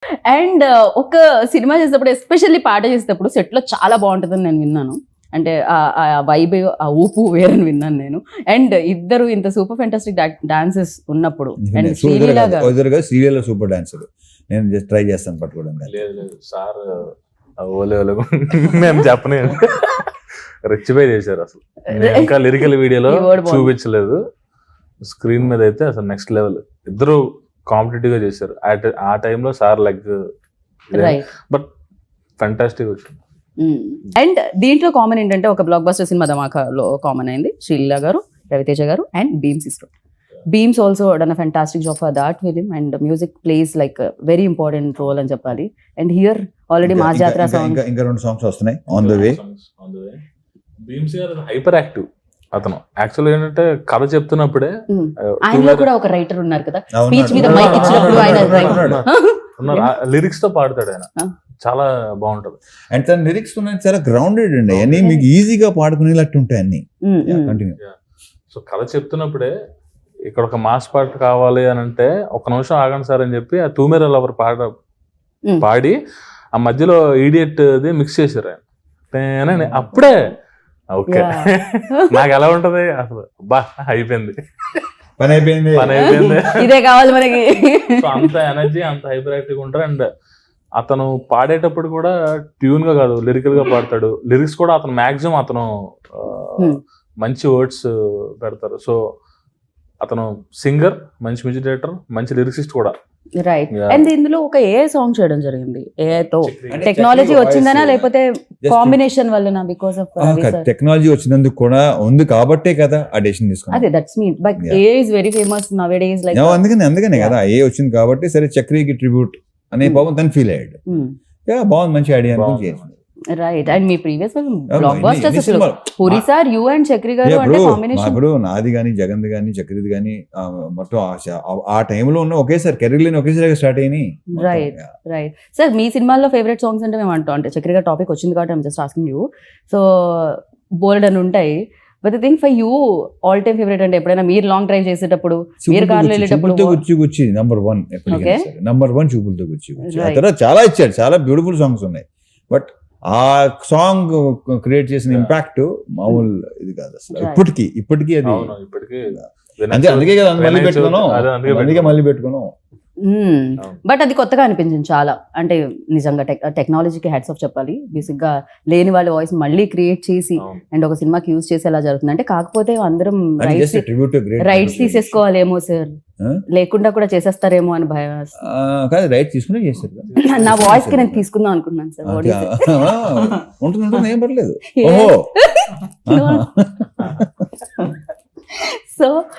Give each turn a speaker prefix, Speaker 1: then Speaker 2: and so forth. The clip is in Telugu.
Speaker 1: అండ్ ఒక సినిమా చేసేటప్పుడు ఎస్పెషల్లీ పాట చేసేటప్పుడు సెట్ లో చాలా బాగుంటుందని నేను విన్నాను. అంటే ఆ వైబ్ ఆ ఊపు వేరని విన్నాను నేను. అండ్ ఇద్దరు ఇంత సూపర్ ఫెంటాస్టిక్ డాన్సెస్ ఉన్నప్పుడు and Sreeleela garu
Speaker 2: serial super dancer. నేను జస్ట్ ట్రై చేస్తాను పట్టుకోవడానికి.
Speaker 3: లేదు సార్ ఓలే మేము చెప్పనే రెచ్చిపోయి చేశారు అసలు. ఇంకా లిరికల్ వీడియోలో చూపించలేదు, స్క్రీన్ మీద అయితే అసలు నెక్స్ట్ లెవెల్. ఇద్దరు కాంపిటేటివ్ గా చేశారు ఆ టైంలో. సార్ లైక్ బట్ ఫెంటాస్టిక్ వచ్చింది.
Speaker 1: అండ్ దీంట్లో కామన్ ఏంటంటే ఒక బ్లాక్ బస్టర్ సినిమా ధమాకాలో కామన్ అయింది శ్రీలీల గారు, రవితేజ గారు అండ్ బీమ్స్ సిస్టర్. Bheems also done a fantastic job for that film and music plays like very important role అని చెప్పాలి. అండ్ హియర్ ఆల్రెడీ మా జాతర సాంగ్,
Speaker 2: ఇంకా 2 సాంగ్స్ వస్తున్నాయి on the way.
Speaker 3: Bheems garu hyper active. అతను యాక్చువల్ ఏంటంటే కథ చెప్తున్నప్పుడే
Speaker 1: ఆయనలో కూడా ఒక రైటర్ ఉన్నారు కదా, స్పీచ్ మీద మైక్ ఇచ్చినప్పుడు ఆయన
Speaker 3: లిరిక్స్ తో పాడతాడు ఆయన, చాలా బాగుంటది.
Speaker 2: అండ్ తన లిరిక్స్ చాలా గ్రౌండెడ్ అండి, అన్ని మీకు ఈజీగా పాడుకునేటట్టు ఉంటాయి అన్ని. కంటిన్యూ.
Speaker 3: సో కథ చెప్తున్నప్పుడే ఇక్కడ ఒక మాస్ పాట కావాలి అని అంటే ఒక నిమిషం ఆగండి సార్ అని చెప్పి ఆ తూమెర లవర్ పాడి ఆ మధ్యలో ఈడియట్ మిక్స్ చేశారు ఆయన. అప్పుడే ఓకే నాకు ఎలా ఉంటది అసలు, బా అయిపోయింది,
Speaker 2: పని అయిపోయింది.
Speaker 1: ఇదే కావాలి మనకి.
Speaker 3: సో అంత ఎనర్జీ, అంత హైపర్ యాక్టివ్ ఉంటారు. అండ్ అతను పాడేటప్పుడు కూడా ట్యూన్ గా కాదు, లిరికల్ గా పాడతాడు. లిరిక్స్ కూడా అతను మాక్సిమం అతను మంచి వర్డ్స్ పెడతారు. సో అతను సింగర్, మంచి మ్యూజిక్ డైరెక్టర్, మంచి లిరిసిస్ట్ కూడా.
Speaker 1: రైట్. అండ్ ఇందులో ఒక ఏఐ సాంగ్ చేయడం జరిగింది. ఏఐతో టెక్నాలజీ వచ్చిందనా లేకపోతే కాంబినేషన్ వల్లనా? బికాస్ ఆఫ్
Speaker 2: టెక్నాలజీ వచ్చినందుకు కూడా ఉంది కాబట్టే కదా ఆ డెసిషన్ తీసుకున్నాను.
Speaker 1: అదే that's mean, but AI is very famous nowadays. Like
Speaker 2: అందుకనే కదా ఏ వచ్చింది కాబట్టి సరే చక్రికి ట్రిబ్యూట్ అనే పాపం తను ఫీల్ అయ్యాడు. బాగుంది, మంచి ఐడియా అనుకుని చేసింది.
Speaker 1: రైట్. అండ్ మీ ప్రీవియస్ బ్లాక్ బస్టర్స్ అసలు Puri sir, you and Chakri garu అంటే కాంబినేషన్.
Speaker 2: ఇప్పుడు నాది గానీ, జగన్ది గానీ, చక్రిది గానీ మొత్తం ఆ టైంలో ఉన్న ఒకేసారి కెరీర్ ఒకేసారి స్టార్ట్ అయినాయి.
Speaker 1: Right right. సార్ మీ సినిమాల్లో ఫేవరెట్ సాంగ్స్ అంటే మేము అంటాం, అంటే చక్రి గారు టాపిక్ వచ్చింది కాబట్టి I'm just asking you. So bold అని ఉంటాయి, but the thing for you all time favourite అంటే ఎప్పుడైనా మీరు లాంగ్ డ్రైవ్ చేసేటప్పుడు, మీరు కార్లో వెళ్ళేటప్పుడు?
Speaker 2: గుచ్చి నంబర్ 1 నంబర్ 1 చూపులతో గుచ్చి. ఆ తర్వాత చాలా ఇచ్చాడు, చాలా బ్యూటిఫుల్ సాంగ్స్ ఉన్నాయి. బట్ ఆ సాంగ్ క్రియేట్ చేసిన ఇంపాక్ట్ మామూలు ఇది కాదు అసలు. ఇప్పటికీ అది అందుకే కదా మళ్ళీ పెట్టుకున్నాం.
Speaker 1: బట్ అది కొత్తగా అనిపించింది చాలా. అంటే నిజంగా టెక్నాలజీకి హ్యాట్స్ ఆఫ్ చెప్పాలి. బేసిక్ గా లేని వాళ్ళ వాయిస్ మళ్ళీ క్రియేట్ చేసి అండ్ ఒక సినిమాకి యూజ్ చేసి ఎలా జరుగుతుంది అంటే, కాకపోతే అందరం రైట్స్ తీసేసుకోవాలేమో సార్, లేకుండా కూడా చేసేస్తారేమో అని భయం.
Speaker 2: రైట్ తీసుకునే చేస్తారు.
Speaker 1: నా వాయిస్ కి నేను తీసుకుందాం అనుకున్నాను సార్.
Speaker 2: ఉంటుంది, ఏం పర్లేదు.
Speaker 1: సో